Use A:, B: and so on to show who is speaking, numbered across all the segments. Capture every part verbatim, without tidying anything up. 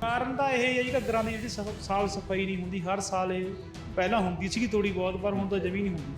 A: ਕਾਰਨ ਤਾਂ ਇਹ ਹੈ ਜੀ ਘੱਗਰਾਂ ਦੀ ਜਿਹੜੀ ਸਫ- ਸਾਲ ਸਫਾਈ ਨਹੀਂ ਹੁੰਦੀ। ਹਰ ਸਾਲ ਇਹ ਪਹਿਲਾਂ ਹੁੰਦੀ ਸੀਗੀ ਥੋੜੀ ਬਹੁਤ, ਪਰ ਹੁਣ ਤਾਂ ਜਮੀ ਨਹੀਂ ਹੁੰਦੀ।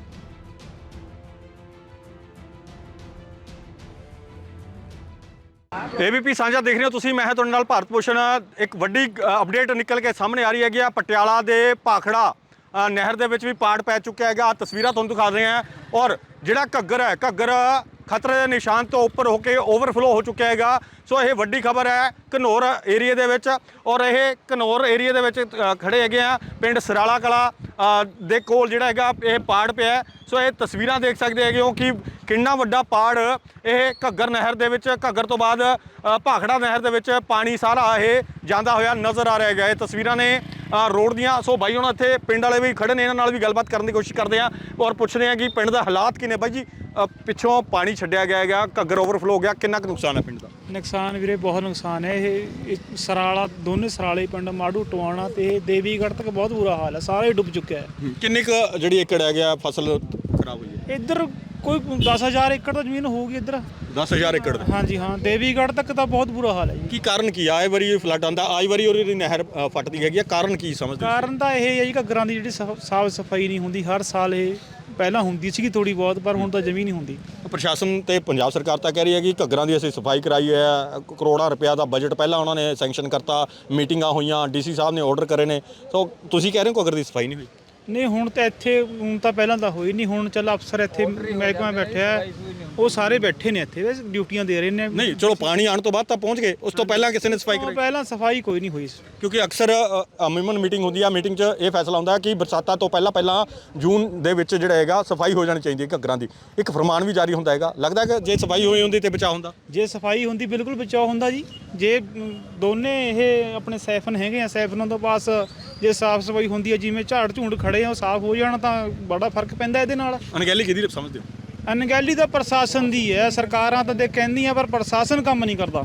B: ਏਬੀਪੀ ਸਾਂਝਾ ਦੇਖ ਰਹੇ ਹੋ ਤੁਸੀਂ। ਮੈਂ ਹਾਂ ਤੁਹਾਡੇ ਨਾਲ ਭਾਰਤ ਭੂਸ਼ਣ। ਇੱਕ ਵੱਡੀ ਅਪਡੇਟ ਨਿਕਲ ਕੇ ਸਾਹਮਣੇ ਆ ਰਹੀ ਹੈਗੀ ਆ। ਪਟਿਆਲਾ ਦੇ ਭਾਖੜਾ ਅ, ਨਹਿਰ ਦੇ ਵਿੱਚ ਵੀ ਪਾੜ ਪੈ ਚੁੱਕਿਆ ਹੈਗਾ। ਤਸਵੀਰਾਂ ਤੁਹਾਨੂੰ ਦਿਖਾ ਰਹੇ ਹਾਂ। ਔਰ ਜਿਹੜਾ ਘੱਗਰ ਹੈ, ਘੱਗਰ ਖਤਰੇ ਦੇ ਨਿਸ਼ਾਨ ਤੋਂ ਉੱਪਰ ਹੋ ਕੇ ਓਵਰਫਲੋ ਹੋ ਚੁੱਕਿਆ ਹੈਗਾ। ਸੋ ਇਹ ਵੱਡੀ ਖਬਰ ਹੈ ਘਨੌਰ ਏਰੀਏ ਦੇ ਵਿੱਚ। ਔਰ ਇਹ ਘਨੌਰ ਏਰੀਏ ਦੇ ਵਿੱਚ ਅ, ਖੜੇ ਹੈਗੇ ਆ। ਪਿੰਡ ਸਰਾਲਾ ਕਲਾ ਅ, ਦੇ ਕੋਲ ਜਿਹੜਾ ਹੈਗਾ ਇਹ ਪਾੜ ਪਿਆ ਹੈ। ਸੋ ਇਹ ਤਸਵੀਰਾਂ ਦੇਖ ਸਕਦੇ ਹੈਗੇ ਹੋ ਕਿ ਕਿੰਨਾ ਵੱਡਾ ਪਾੜ ਇਹ ਘੱਗਰ ਨਹਿਰ ਦੇ ਵਿੱਚ, ਘੱਗਰ ਤੋਂ ਬਾਅਦ ਅ, ਭਾਖੜਾ ਨਹਿਰ ਦੇ ਵਿੱਚ ਪਾਣੀ ਸਾਰਾ ਇਹ ਜਾਂਦਾ ਹੋਇਆ ਨਜ਼ਰ ਆ ਰਿਹਾ ਹੈਗਾ। ਇਹ ਤਸਵੀਰਾਂ ਨੇ ਅ, ਰੋਡ ਦੀਆਂ। ਸੋ ਬਾਈ ਹੁਣ ਇੱਥੇ ਪਿੰਡ ਵਾਲੇ ਵੀ ਖੜੇ ਨੇ, ਇਹਨਾਂ ਨਾਲ ਵੀ ਗੱਲਬਾਤ ਕਰਨ ਦੀ ਕੋਸ਼ਿਸ਼ ਕਰਦੇ ਹਾਂ ਔਰ ਪੁੱਛਦੇ ਹਾਂ ਕਿ ਪਿੰਡ ਦਾ ਹਾਲਾਤ ਕੀ ਨੇ। ਬਾਈ ਜੀ ਅ, ਪਿੱਛੋਂ ਪਾਣੀ ਛੱਡਿਆ ਗਿਆ ਹੈਗਾ, ਘੱਗਰ ਓਵਰਫਲੋ ਹੋ ਗਿਆ, ਕਿੰਨਾ ਕੁ ਨੁਕਸਾਨ ਹੈ ਪਿੰਡ ਦਾ?
A: ਨੁਕਸਾਨ ਵੀਰੇ ਬਹੁਤ ਨੁਕਸਾਨ ਹੈ। ਇਹ ਇਹ ਸਰਾਲਾ ਦੋਨੇ ਸਰਾਲੇ ਪਿੰਡ ਮਾੜੂ ਟਵਾਣਾ ਤੇ ਇਹ ਦੇਵੀਗੜ੍ਹ ਤੱਕ ਬਹੁਤ ਬੁਰਾ ਹਾਲ ਹੈ। ਸਾਰਾ ਹੀ ਡੁੱਬ ਚੁੱਕਿਆ ਹੈ।
B: ਕਿੰਨੀ ਕੁ ਜਿਹੜੀ ਏਕੜ ਹੈਗਾ ਫਸਲ ਖਰਾਬ ਹੋਈ ਹੈ?
A: ਇੱਧਰ ਕੋਈ ਦਸ ਹਜ਼ਾਰ ਏਕੜ ਤਾਂ ਜ਼ਮੀਨ ਹੋਊਗੀ ਇੱਧਰ।
B: ਦਸ ਹਜ਼ਾਰ ਏਕੜ ਦਾ?
A: ਹਾਂਜੀ ਹਾਂ, ਦੇਵੀਗੜ੍ਹ ਤੱਕ ਤਾਂ ਬਹੁਤ ਬੁਰਾ ਹਾਲ ਹੈ ਜੀ।
B: ਕੀ ਕਾਰਨ ਕੀ ਆ? ਆਏ ਵਾਰੀ ਫਲੱਡ ਆਉਂਦਾ, ਆਈ ਵਾਰੀ ਉਹਦੀ ਨਹਿਰ ਅ, ਫਟਦੀ ਹੈਗੀ ਆ, ਕਾਰਨ ਕੀ ਸਮਝਦੇ ਹੋ?
A: ਕਾਰਨ ਤਾਂ ਇਹ ਹੈ ਜੀ ਘੱਗਰਾਂ ਦੀ ਜਿਹੜੀ ਸਫ- ਸਾਫ ਸਫਾਈ ਨਹੀਂ ਹੁੰਦੀ। ਹਰ ਸਾਲ ਇਹ ਪਹਿਲਾਂ ਹੁੰਦੀ ਸੀਗੀ ਥੋੜੀ ਬਹੁਤ, ਪਰ ਹੁਣ ਤਾਂ ਜਮੀ ਨਹੀਂ ਹੁੰਦੀ।
B: ਪ੍ਰਸ਼ਾਸਨ ਤੇ ਪੰਜਾਬ ਸਰਕਾਰ ਤਾਂ ਕਹਿ ਰਹੀ ਹੈ ਕਿ ਘੱਗਰਾਂ ਦੀ ਅਸੀਂ ਸਫਾਈ ਕਰਾਈ ਹੈ, ਕਰੋੜਾਂ ਰੁਪਇਆ ਦਾ ਬਜਟ ਪਹਿਲਾਂ ਉਹਨਾਂ ਨੇ ਸੈਂਕਸ਼ਨ ਕਰਤਾ, ਮੀਟਿੰਗਾਂ ਹੋਈਆਂ, ਡੀਸੀ ਸਾਹਿਬ ਨੇ ਆਰਡਰ ਕਰੇ ਨੇ। ਸੋ ਤੁਸੀਂ ਕਹਿ ਰਹੇ ਹੋ ਘੱਗਰ ਦੀ ਸਫਾਈ ਨਹੀਂ ਹੋਈ?
A: ਨਹੀਂ ਹੁਣ ਤਾਂ ਇੱਥੇ ਹੁਣ ਤਾਂ ਪਹਿਲਾਂ ਤਾਂ ਹੋਈ ਨਹੀਂ। ਹੁਣ ਚੱਲ ਅਫਸਰ ਇੱਥੇ ਮਹਿਕਮਾ ਬੈਠਿਆ ਹੈ, ਉਹ ਸਾਰੇ ਬੈਠੇ ਨੇ ਇੱਥੇ, ਵੈਸੇ ਡਿਊਟੀਆਂ ਦੇ ਰਹੇ ਨੇ।
B: ਨਹੀਂ ਚਲੋ ਪਾਣੀ ਆਉਣ ਤੋਂ ਬਾਅਦ ਤਾਂ ਪਹੁੰਚ ਗਏ, ਉਸ ਤੋਂ ਪਹਿਲਾਂ ਕਿਸੇ ਨੇ ਸਫਾਈ
A: ਉਹ
B: ਕਰਾਈ?
A: ਪਹਿਲਾਂ ਸਫਾਈ ਕੋਈ ਨਹੀਂ ਹੋਈ।
B: ਕਿਉਂਕਿ ਅਕਸਰ ਅਮੂਮਨ ਮੀਟਿੰਗ ਹੁੰਦੀ ਆ, ਮੀਟਿੰਗ 'ਚ ਇਹ ਫੈਸਲਾ ਹੁੰਦਾ ਕਿ ਬਰਸਾਤਾਂ ਤੋਂ ਪਹਿਲਾਂ ਪਹਿਲਾਂ ਜੂਨ ਦੇ ਵਿੱਚ ਜਿਹੜਾ ਹੈਗਾ ਸਫਾਈ ਹੋ ਜਾਣੀ ਚਾਹੀਦੀ ਹੈ ਘੱਗਰਾਂ ਦੀ। ਇੱਕ ਫਰਮਾਨ ਵੀ ਜਾਰੀ ਹੁੰਦਾ ਹੈਗਾ। ਲੱਗਦਾ ਕਿ ਜੇ ਸਫਾਈ ਹੋਈ ਹੁੰਦੀ ਤੇ ਬਚਾਅ ਹੁੰਦਾ?
A: ਜੇ ਸਫਾਈ ਹੁੰਦੀ ਬਿਲਕੁਲ ਬਚਾਅ ਹੁੰਦਾ ਜੀ। ਜੇ ਅਮ, ਦੋਨੇ ਇਹ ਆਪਣੇ ਸੈਫਨ ਹੈਗੇ ਆ, ਸੈਫਨਾਂ ਤੋਂ ਪਾਸ ਜੇ ਸਾਫ ਸਫਾਈ ਹੁੰਦੀ ਹੈ, ਜਿਵੇਂ ਝਾੜ ਝੂੰਡ ਖੜੇ ਆ ਉਹ ਸਾਫ ਹੋ ਜਾਣ ਤਾਂ ਬੜਾ ਫਰਕ ਪੈਂਦਾ ਇਹਦੇ ਨਾਲ।
B: ਅਣਗਹਿਲੀ ਕਿਹਦੀ ਸਮਝਦੇ ਹੋ?
A: ਅਣਗਹਿਲੀ ਤਾਂ ਪ੍ਰਸ਼ਾਸਨ ਦੀ ਹੈ। ਸਰਕਾਰਾਂ ਤਾਂ ਦੇ ਕਹਿੰਦੀਆਂ ਪਰ ਪ੍ਰਸ਼ਾਸਨ ਕੰਮ ਨਹੀਂ ਕਰਦਾ।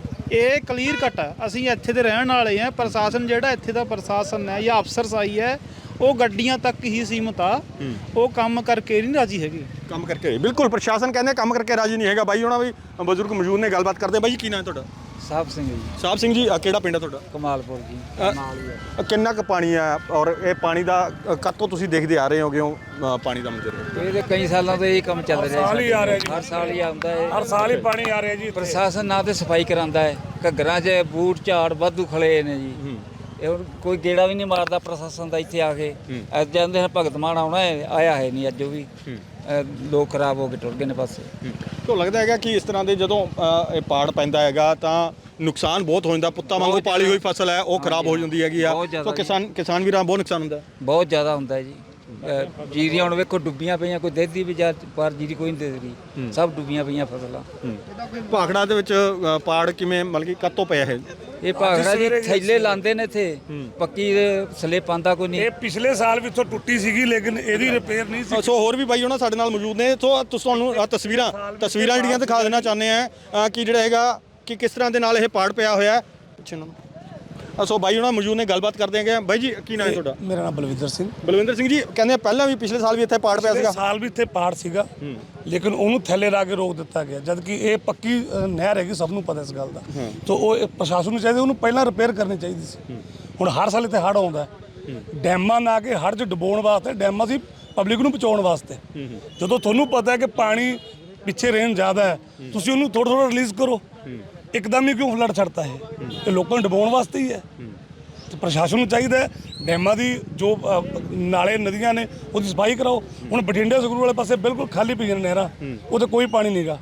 A: ਇਹ ਕਲੀਅਰ ਕੱਟ ਹੈ। ਅਸੀਂ ਇੱਥੇ ਦੇ ਰਹਿਣ ਵਾਲੇ ਆ। ਪ੍ਰਸ਼ਾਸਨ ਜਿਹੜਾ ਇੱਥੇ ਦਾ ਪ੍ਰਸ਼ਾਸਨ ਹੈ ਜਾਂ ਅਫਸਰਸ਼ਾਹੀ ਹੈ, ਉਹ ਗੱਡੀਆਂ ਤੱਕ ਹੀ ਸੀਮਤ ਆ। ਉਹ ਕੰਮ ਕਰਕੇ ਨਹੀਂ ਰਾਜੀ ਹੈਗੇ।
B: ਕੰਮ ਕਰਕੇ ਬਿਲਕੁਲ ਪ੍ਰਸ਼ਾਸਨ ਕਹਿੰਦੇ ਕੰਮ ਕਰਕੇ ਰਾਜੀ ਨਹੀਂ ਹੈਗਾ। ਬਾਈ ਉਹਨਾਂ ਵੀ ਬਜ਼ੁਰਗ ਮੌਜੂਦ ਨੇ, ਗੱਲਬਾਤ ਕਰਦੇ। ਬਾਈ ਜੀ ਕੀ ਨਾਮ ਹੈ ਤੁਹਾਡਾ?
C: ਸਾਹਿਬ ਸਿੰਘ ਜੀ।
B: ਸਾਹਿਬ ਸਿੰਘ ਜੀ, ਅ, ਕਿਹੜਾ ਪਿੰਡ ਹੈ ਤੁਹਾਡਾ?
C: ਕਮਾਲਪੁਰ ਜੀ।
B: ਅ, ਕਿੰਨਾ ਕੁ ਪਾਣੀ ਆ ਔਰ ਇਹ ਪਾਣੀ ਦਾ ਅ, ਕਦ ਤੋਂ ਤੁਸੀਂ ਦੇਖਦੇ ਆ ਰਹੇ ਹੋਗੇ ਹੋ ਅ, ਪਾਣੀ ਦਾ ਮੰਜ਼ਰ?
C: ਇਹ ਤੇ ਕਈ ਸਾਲਾਂ ਤੋਂ ਇਹ ਕੰਮ ਚੱਲ ਰਿਹਾ
D: ਸਾਲ ਹੀ ਆ ਰਿਹਾ ਜੀ।
C: ਹਰ ਸਾਲ ਹੀ ਆਉਂਦਾ ਹੈ।
D: ਹਰ ਸਾਲ ਹੀ ਪਾਣੀ ਆ ਰਿਹਾ ਜੀ ਇੱਥੇ।
C: ਪ੍ਰਸ਼ਾਸਨ ਨਾ ਤੇ ਸਫਾਈ ਕਰਾਂਦਾ ਹੈ। ਘੱਗਰਾਂ 'ਚ ਬੂਟ ਝਾੜ ਵਾਧੂ ਖਲੇ ਨੇ ਜੀ। ਇਹ ਹੁਣ ਕੋਈ ਗੇੜਾ ਵੀ ਨਹੀਂ ਮਾਰਦਾ ਪ੍ਰਸ਼ਾਸਨ ਦਾ ਇੱਥੇ ਆ ਕੇ। ਅੱਜ ਜਾਂਦੇ ਨੇ ਭਗਤ ਮਾਨ ਆਉਣਾ ਹੈ, ਆਇਆ ਹੈ ਨਹੀਂ ਅੱਜ। ਉਹ ਵੀ ਅ, ਲੋਕ ਖਰਾਬ ਹੋ ਕੇ ਟੁਰ ਗਏ ਨੇ ਪਾਸੇ।
B: ਤੋਂ ਲੱਗਦਾ ਹੈਗਾ ਕਿ ਇਸ ਤਰ੍ਹਾਂ ਦੇ ਜਦੋਂ ਅ, ਇਹ ਪਾੜ ਪੈਂਦਾ ਹੈਗਾ ਤਾਂ ਨੁਕਸਾਨ ਬਹੁਤ ਹੋ ਜਾਂਦਾ। ਪੁੱਤਾਂ ਵਾਂਗੂ ਪਾਲੀ ਹੋਈ ਫਸਲ ਹੈ ਉਹ ਖਰਾਬ ਹੋ ਜਾਂਦੀ ਹੈਗੀ ਆ।
C: ਬਹੁਤ ਜ਼ਿਆਦਾ
B: ਸੋ ਕਿਸਾਨ ਕਿਸਾਨ ਵੀਰਾਂ ਬਹੁਤ ਨੁਕਸਾਨ ਹੁੰਦਾ।
C: ਬਹੁਤ ਜ਼ਿਆਦਾ ਹੁੰਦਾ ਹੈ ਜੀ। ਅ, ਜੀਰੀਆਂ ਹੁਣ ਵੇਖੋ ਡੁੱਬੀਆਂ ਪਈਆਂ, ਕੋਈ ਦੇਦੀ ਵੀ ਜਾ ਪਰ ਜੀਰੀ ਕੋਈ ਨਹੀਂ ਦੇ ਰਹੀ। ਸਭ ਡੁੱਬੀਆਂ ਪਈਆਂ ਫਸਲਾਂ।
B: ਭਾਖੜਾ ਦੇ ਵਿੱਚ ਅ, ਪਾੜ ਕਿਵੇਂ ਮਤਲਬ ਕਿ ਕਦ ਤੋਂ ਪਿਆ ਇਹ?
C: ਇਹ ਭਾਗੜਾ ਜੀ ਥੈਲੇ ਲਾਉਂਦੇ ਨੇ ਇੱਥੇ, ਪੱਕੀ ਸਲਿੱਪ ਆਂਦਾ ਕੋਈ ਨਹੀਂ।
D: ਇਹ ਪਿਛਲੇ ਸਾਲ ਵੀ ਇੱਥੋਂ ਟੁੱਟੀ ਸੀਗੀ, ਲੇਕਿਨ ਇਹਦੀ ਰਿਪੇਅਰ ਨਹੀਂ ਸੀ।
B: ਸੋ ਹੋਰ ਵੀ ਬਾਈ ਉਹਨਾਂ ਸਾਡੇ ਨਾਲ ਮੌਜੂਦ ਨੇ। ਸੋ ਤੁਸੀਂ ਤੁਹਾਨੂੰ ਅ, ਤਸਵੀਰਾਂ ਤਸਵੀਰਾਂ ਜਿਹੜੀਆਂ ਦਿਖਾ ਦੇਣਾ ਚਾਹੁੰਦੇ ਆ ਅ, ਕਿ ਜਿਹੜਾ ਹੈਗਾ ਕਿ ਕਿਸ ਤਰ੍ਹਾਂ ਦੇ ਨਾਲ ਇਹ ਪਾੜ ਪਿਆ ਹੋਇਆ ਹੈ। ਪਿੱਛੇ ਨੂੰ ਅ, ਸੋ ਬਾਈ ਉਹਨਾਂ ਮੌਜੂਦ ਨੇ, ਗੱਲਬਾਤ ਕਰਦੇ ਹੈਗੇ। ਬਾਈ ਜੀ ਕੀ ਨਾਮ ਹੈ ਤੁਹਾਡਾ?
D: ਮੇਰਾ ਨਾਮ ਬਲਵਿੰਦਰ ਸਿੰਘ।
B: ਬਲਵਿੰਦਰ ਸਿੰਘ ਜੀ, ਕਹਿੰਦੇ ਪਹਿਲਾਂ ਵੀ ਪਿਛਲੇ ਸਾਲ ਵੀ ਇੱਥੇ ਪਾੜ ਪਿਆ ਸੀਗਾ।
D: ਸਾਲ ਵੀ ਇੱਥੇ ਪਹਾੜ ਸੀਗਾ, ਲੇਕਿਨ ਉਹਨੂੰ ਥੱਲੇ ਲਾ ਕੇ ਰੋਕ ਦਿੱਤਾ ਗਿਆ। ਜਦ ਕਿ ਇਹ ਪੱਕੀ ਅ, ਨਹਿਰ ਹੈਗੀ, ਸਭ ਨੂੰ ਪਤਾ ਇਸ ਗੱਲ ਦਾ। ਤਾਂ ਉਹ ਇਹ ਪ੍ਰਸ਼ਾਸਨ ਨੂੰ ਚਾਹੀਦਾ ਉਹਨੂੰ ਪਹਿਲਾਂ ਰਿਪੇਅਰ ਕਰਨੀ ਚਾਹੀਦੀ ਸੀ। ਹੁਣ ਹਰ ਸਾਲ ਇੱਥੇ ਹੜ੍ਹ ਆਉਂਦਾ। ਡੈਮਾਂ ਨਾ ਕੇ ਹੜ੍ਹ 'ਚ ਡੁਬੋਣ ਵਾਸਤੇ, ਡੈਮਾਂ ਸੀ ਪਬਲਿਕ ਨੂੰ ਬਚਾਉਣ ਵਾਸਤੇ। ਜਦੋਂ ਤੁਹਾਨੂੰ ਪਤਾ ਹੈ ਕਿ ਪਾਣੀ ਪਿੱਛੇ ਰੇਨ ਜ਼ਿਆਦਾ ਹੈ, ਤੁਸੀਂ ਉਹਨੂੰ ਥੋੜਾ ਥੋੜਾ ਰਿਲੀਜ਼ ਕਰੋ। ਇੱਕਦਮ ਹੀ ਕਿਉਂ ਫਲੱਡ ਛੱਡਤਾ ਹੈ? ਇਹ ਲੋਕਾਂ ਨੂੰ ਡੁਬੋਣ ਵਾਸਤੇ ਹੀ ਹੈ। ਤੇ ਪ੍ਰਸ਼ਾਸਨ ਨੂੰ ਚਾਹੀਦਾ ਹੈ ਡੈਮਾਂ ਦੀ ਜੋ ਅ, ਨਾਲੇ ਨਦੀਆਂ ਨੇ ਉਹਦੀ ਸਫਾਈ ਕਰਾਓ। ਹੁਣ ਬਠਿੰਡੇ ਸੰਗਰੂਰ ਵਾਲੇ ਪਾਸੇ ਬਿਲਕੁਲ ਖਾਲੀ ਪਈਆਂ ਨੇ ਨਹਿਰਾਂ, ਉਹਦੇ ਕੋਈ ਪਾਣੀ ਨਹੀਂਗਾ।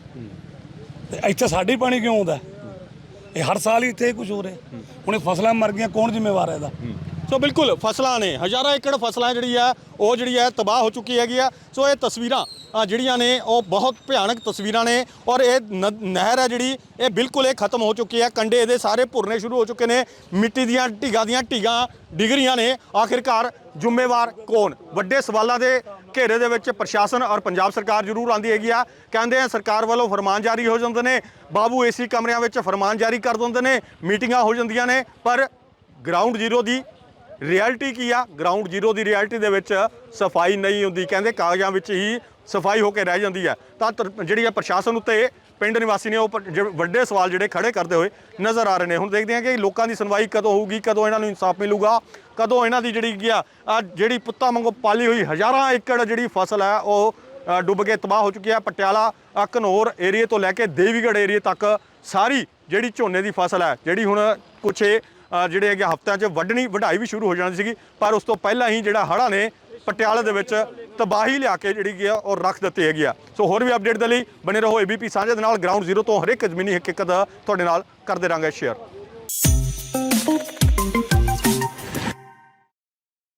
D: ਤੇ ਇੱਥੇ ਸਾਡੇ ਪਾਣੀ ਕਿਉਂ ਆਉਂਦਾ? ਇਹ ਹਰ ਸਾਲ ਹੀ ਇੱਥੇ ਕੁਝ ਹੋ ਰਿਹਾ। ਹੁਣ ਇਹ ਫਸਲਾਂ ਮਰ ਗਈਆਂ, ਕੌਣ ਜ਼ਿੰਮੇਵਾਰ ਹੈ ਇਹਦਾ?
B: ਸੋ ਬਿਲਕੁਲ ਫਸਲਾਂ ਨੇ, ਹਜ਼ਾਰਾਂ ਏਕੜ ਫਸਲਾਂ ਜਿਹੜੀ ਆ ਉਹ ਜਿਹੜੀ ਹੈ ਤਬਾਹ ਹੋ ਚੁੱਕੀ ਹੈਗੀ ਆ। ਸੋ ਇਹ ਤਸਵੀਰਾਂ ਅ, ਜਿਹੜੀਆਂ ਨੇ ਉਹ ਬਹੁਤ ਭਿਆਨਕ ਤਸਵੀਰਾਂ ਨੇ। ਔਰ ਇਹ ਨ- ਨਹਿਰ ਹੈ ਜਿਹੜੀ ਇਹ ਬਿਲਕੁਲ ਇਹ ਖਤਮ ਹੋ ਚੁੱਕੀ ਹੈ। ਕੰਢੇ ਇਹਦੇ ਸਾਰੇ ਭੁਰਨੇ ਸ਼ੁਰੂ ਹੋ ਚੁੱਕੇ ਨੇ। ਮਿੱਟੀ ਦੀਆਂ ਢਿੱਗਾਂ ਦੀਆਂ ਢਿੱਗਾਂ ਡਿੱਗ ਰਹੀਆਂ ਨੇ। ਆਖਿਰਕਾਰ ਜ਼ਿੰਮੇਵਾਰ ਕੌਣ? ਵੱਡੇ ਸਵਾਲਾਂ ਦੇ ਘੇਰੇ ਦੇ ਵਿੱਚ ਪ੍ਰਸ਼ਾਸਨ ਔਰ ਪੰਜਾਬ ਸਰਕਾਰ ਜ਼ਰੂਰ ਆਉਂਦੀ ਹੈਗੀ ਆ। ਕਹਿੰਦੇ ਆ ਸਰਕਾਰ ਵੱਲੋਂ ਫਰਮਾਨ ਜਾਰੀ ਹੋ ਜਾਂਦੇ ਨੇ, ਬਾਬੂ ਏਸੀ ਕਮਰਿਆਂ ਵਿੱਚ ਫਰਮਾਨ ਜਾਰੀ ਕਰ ਦਿੰਦੇ ਨੇ, ਮੀਟਿੰਗਾਂ ਹੋ ਜਾਂਦੀਆਂ ਨੇ, ਪਰ ਗਰਾਊਂਡ ਜ਼ੀਰੋ ਦੀ ਰਿਐਲਿਟੀ ਕੀ ਆ? ਗਰਾਊਂਡ ਜ਼ੀਰੋ ਦੀ ਰਿਐਲਿਟੀ ਦੇ ਵਿੱਚ ਸਫਾਈ ਨਹੀਂ ਹੁੰਦੀ। ਕਹਿੰਦੇ ਕਾਗਜ਼ਾਂ ਵਿੱਚ ਹੀ ਸਫਾਈ ਹੋ ਕੇ ਰਹਿ ਜਾਂਦੀ ਹੈ। ਤਾਂ ਜਿਹੜੀ ਹੈ ਪ੍ਰਸ਼ਾਸਨ ਉੱਤੇ ਪਿੰਡ ਨਿਵਾਸੀ ਨੇ ਉਹ ਪ- ਜਿਹੜੇ ਵੱਡੇ ਸਵਾਲ ਜਿਹੜੇ ਖੜੇ ਕਰਦੇ ਹੋਏ ਨਜ਼ਰ ਆ ਰਹੇ ਨੇ। ਹੁਣ ਦੇਖਦੇ ਹਾਂ ਕਿ ਲੋਕਾਂ ਦੀ ਸੁਣਵਾਈ ਕਦੋਂ ਹੋਊਗੀ, ਕਦੋਂ ਇਹਨਾਂ ਨੂੰ ਇਨਸਾਫ ਮਿਲੂਗਾ, ਕਦੋਂ ਇਹਨਾਂ ਦੀ ਜਿਹੜੀ ਕੀ ਆ ਆਹ ਜਿਹੜੀ ਪੁੱਤਾਂ ਵਾਂਗੂ ਪਾਲੀ ਹੋਈ ਹਜ਼ਾਰਾਂ ਏਕੜ ਜਿਹੜੀ ਫਸਲ ਹੈ ਉਹ ਅ, ਡੁੱਬ ਕੇ ਤਬਾਹ ਹੋ ਚੁੱਕੀ ਹੈ। ਪਟਿਆਲਾ ਅ, ਘਨੌਰ ਏਰੀਏ ਤੋਂ ਲੈ ਕੇ ਦੇਵੀਗੜ੍ਹ ਏਰੀਏ ਤੱਕ ਸਾਰੀ ਜਿਹੜੀ ਝੋਨੇ ਦੀ ਫਸਲ ਹੈ ਜਿਹੜੀ ਹੁਣ ਕੁਛ ਇਹ ਅ, ਜਿਹੜੇ ਹੈਗੇ ਹਫ਼ਤਿਆਂ 'ਚ ਵੱਢਣੀ ਵਢਾਈ ਵੀ ਸ਼ੁਰੂ ਹੋ ਜਾਣੀ ਸੀਗੀ, ਪਰ ਉਸ ਤੋਂ ਪਹਿਲਾਂ ਹੀ ਜਿਹੜਾ ਹੜ੍ਹਾਂ ਨੇ ਪਟਿਆਲੇ ਦੇ ਵਿੱਚ ਤਬਾਹੀ ਲਿਆ ਕੇ ਜਿਹੜੀ ਕੀ ਆ ਉਹ ਰੱਖ ਦਿੱਤੀ ਹੈਗੀ ਆ। ਸੋ ਹੋਰ ਵੀ ਅਪਡੇਟ ਦੇ ਲਈ ਬਣੇ ਰਹੋ ਏਬੀਪੀ ਸਾਂਝੇ ਦੇ ਨਾਲ। ਗਰਾਊਂਡ ਜ਼ੀਰੋ ਤੋਂ ਹਰ ਇੱਕ ਜ਼ਮੀਨੀ ਹਕੀਕਤ ਤੁਹਾਡੇ ਨਾਲ ਕਰਦੇ ਰਹਾਂਗੇ ਸ਼ੇਅਰ।